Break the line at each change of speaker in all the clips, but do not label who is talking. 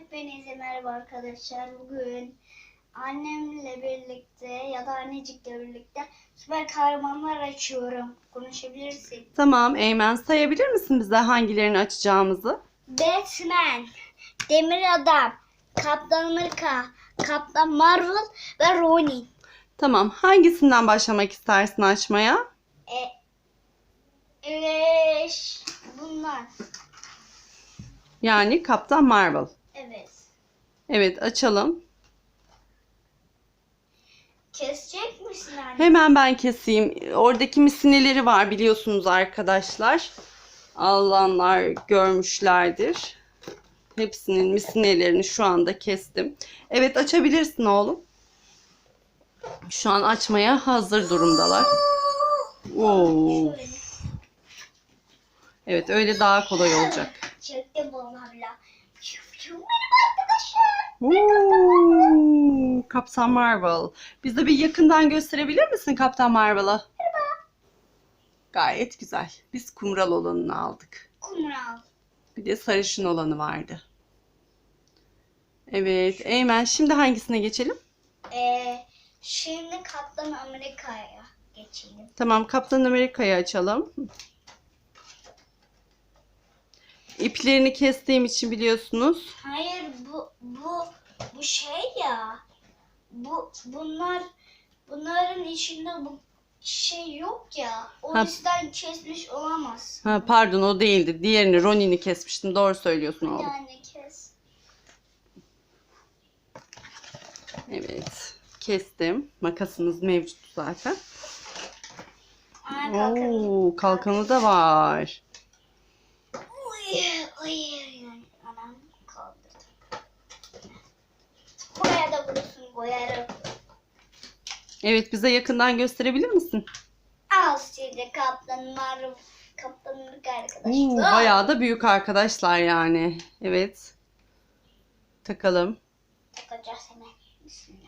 Hepinize merhaba arkadaşlar. Bugün annemle birlikte ya da annecikle birlikte süper kahramanlar açıyorum. Konuşabilirsin.
Tamam Eymen, sayabilir misin bize hangilerini açacağımızı?
Batman, Demir Adam, Kaptan Amerika, Kaptan Marvel ve Ronin.
Tamam, hangisinden başlamak istersin açmaya?
Bunlar.
Yani Kaptan Marvel.
Evet.
Evet, açalım.
Kesecek misin anne?
Hemen ben keseyim. Oradaki misineleri var biliyorsunuz arkadaşlar. Alanlar görmüşlerdir. Hepsinin misinelerini şu anda kestim. Evet, açabilirsin oğlum. Şu an açmaya hazır durumdalar. Oo.
Şöyle.
Evet, öyle daha kolay olacak.
Çektim onlarla. Merhaba arkadaşlar.
Oo, Kaptan Marvel. Bize bir yakından gösterebilir misin Kaptan Marvel'ı? Gayet güzel. Biz kumral olanını aldık.
Kumral.
Bir de sarışın olanı vardı. Evet, Eymen şimdi hangisine geçelim?
Şimdi Kaptan Amerika'ya geçelim.
Tamam, Kaptan Amerika'yı açalım. İplerini kestiğim için biliyorsunuz.
Hayır bu şey ya. Bunların içinde bu şey yok ya. O
Ha.
yüzden kesmiş olamaz.
Ha, pardon o değildi. Diğerini Ronin'i kesmiştim. Doğru söylüyorsun oğlum.
Yani kes.
Evet, kestim. Makasımız mevcut zaten.
Aa, kalkanı.
Oo, kalkanı da var.
Uy. Anam kaldırdım. Buraya da vurursun boyarım.
Evet, bize yakından gösterebilir misin?
Al şimdi Kaptan Amerika arkadaşlar.
Oo, bayağı da büyük arkadaşlar yani. Evet. Takalım.
Takacağız hemen. Bismillah.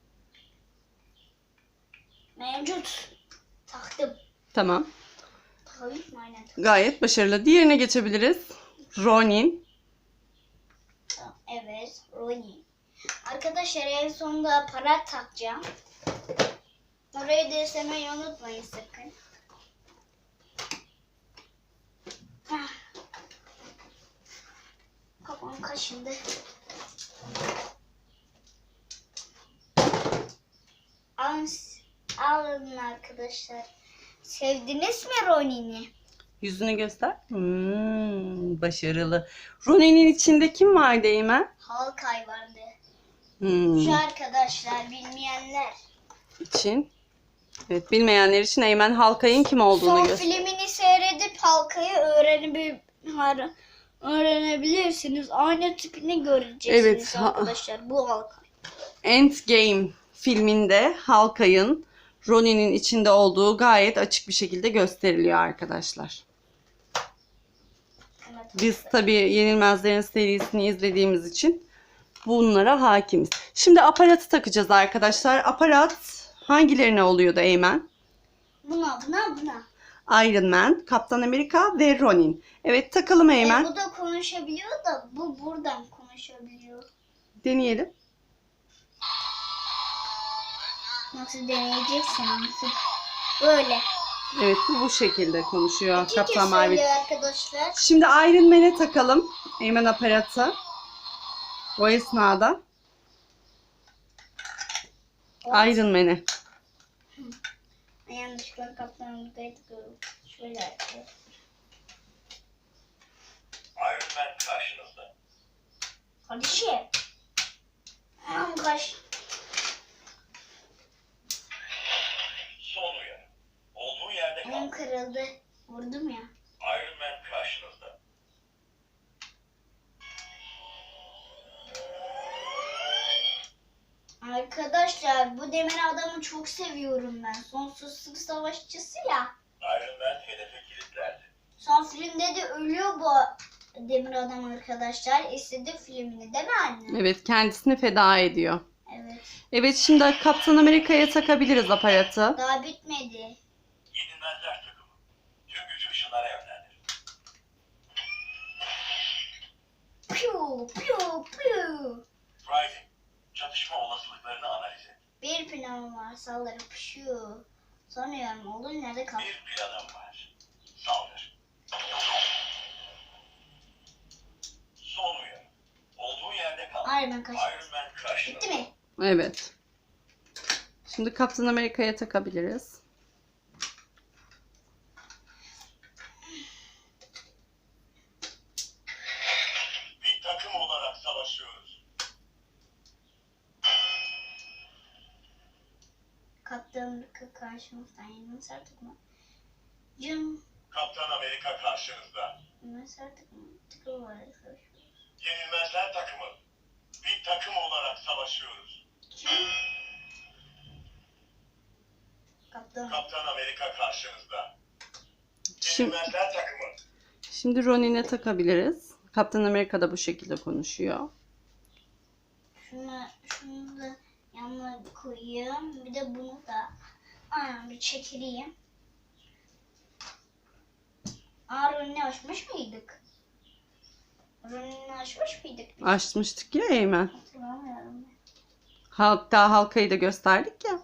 Mevcut. Taktım.
Tamam.
Tabii mi? Aynen taktım.
Gayet başarılı. Diğerine geçebiliriz. Ronin.
Evet. Ronin. Arkadaşlar en sonunda aparat takacağım. Orayı da izlemeyi unutmayın sakın. Kafam kaşındı. Alın arkadaşlar. Sevdiniz mi Ronin'i?
Yüzünü göster. Başarılı. Ronin'in içinde kim vardı Eymen?
Hawkeye vardı.
Hmm,
Şu arkadaşlar bilmeyenler.
için. Evet, bilmeyenler için Eymen Hawkeye'in kim olduğunu
Son
göster.
filmini seyredip Hawkeye'yi öğrenebilirsiniz. Aynı tipini göreceksiniz
Evet,
arkadaşlar. Bu Hawkeye.
Endgame filminde Hawkeye'in Ronin'in içinde olduğu gayet açık bir şekilde gösteriliyor arkadaşlar.
Evet.
Biz tabii Yenilmezlerin serisini izlediğimiz için bunlara hakimiz. Şimdi aparatı takacağız arkadaşlar. Aparat hangilerine oluyordu Eymen?
Buna.
Iron Man, Kaptan Amerika ve Ronin. Evet, takalım Eymen.
Bu da konuşabiliyor da bu buradan konuşabiliyor.
Deneyelim.
Nasıl deneyeceksin artık? Böyle.
Evet, bu şekilde konuşuyor
İki
Kaptan
kez
Marvel.
söylüyor arkadaşlar.
Şimdi Iron Man'e takalım Eymen aparatı. O esnada Iron Man'e.
Yanlışlıkla Kaptan Amerika'yı tıkıyorum. Şöyle yapıyor.
Iron Man karşınızda.
Kardeşim. Anam kaç.
Son uyarı. Olduğu yerde kal.
Anam kırıldı. Vurdum ya.
Iron Man karşınızda.
Arkadaşlar bu demir adamı çok seviyorum ben. Sonsuzluk savaşçısı ya.
Iron Man hedefe kilitlendi.
Son filmde de ölüyor bu demir adam arkadaşlar. İzledik filmini değil mi anne?
Evet, kendisini feda ediyor.
Evet.
Evet, şimdi Kaptan Amerika'ya takabiliriz aparatı.
Daha bitmedi.
Yenilmezler takımı. Tüm gücü ışınlara yönlendir.
Piu piu piu.
Friday, çatışma olasılıklarını analiz et.
Bir planım var. Saldırı piu. Sanıyorum olur nerede kal?
Bir planım var. Saldır. Son uyarı. Olduğu yerde kal.
Iron Man kaç.
Iron Man karşınızda.
Bitti mi?
Evet. Şimdi Kaptan Amerika'ya takabiliriz.
Bir takım olarak savaşıyoruz.
Kaptan karşımızdan yenilmez artık mı? Cım.
Kaptan Amerika karşınızda.
Yenilmez artık mı? Tıkıl var arkadaşlar.
Yenilmezler takımı. Bir takım olarak savaşıyoruz.
Kaptan.
Kaptan Amerika karşınızda.
Şimdi,
Yenilmezler takımı.
şimdi Ronin'e takabiliriz. Kaptan Amerika da bu şekilde konuşuyor.
Şunu da yanına koyayım. Bir de bunu da bir çekileyim. Ronnie açmış mıydık? Ronnie'ni açmış mıydık? biz?
Açmıştık ya Eymen.
Hatırlamıyorum ben.
Halkayı da gösterdik ya.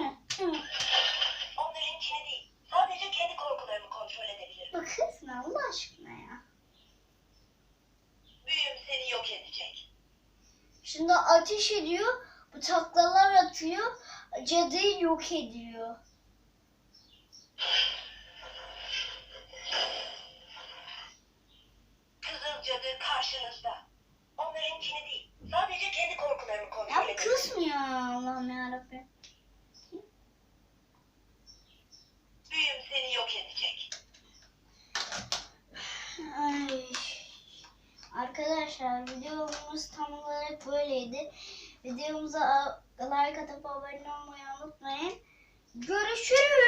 Onlarınkini değil. Sadece kendi korkularımı kontrol edebilirim.
Bakırsın Allah aşkına ya.
Büyüm seni yok edecek.
Şimdi ateş ediyor. Bu taklalar atıyor. Cadıyı yok ediyor.
Kızıl cadı karşınızda. Onlarınkini değil. Sadece kendi korkularımı kontrol
Ya bu
edebilirim.
kısmıyor Allah'ım yarabbim.
Büyüm seni yok edecek.
Ay. Arkadaşlar videomuz tam olarak böyleydi. Videomuza like atıp abone olmayı unutmayın. Görüşürüz.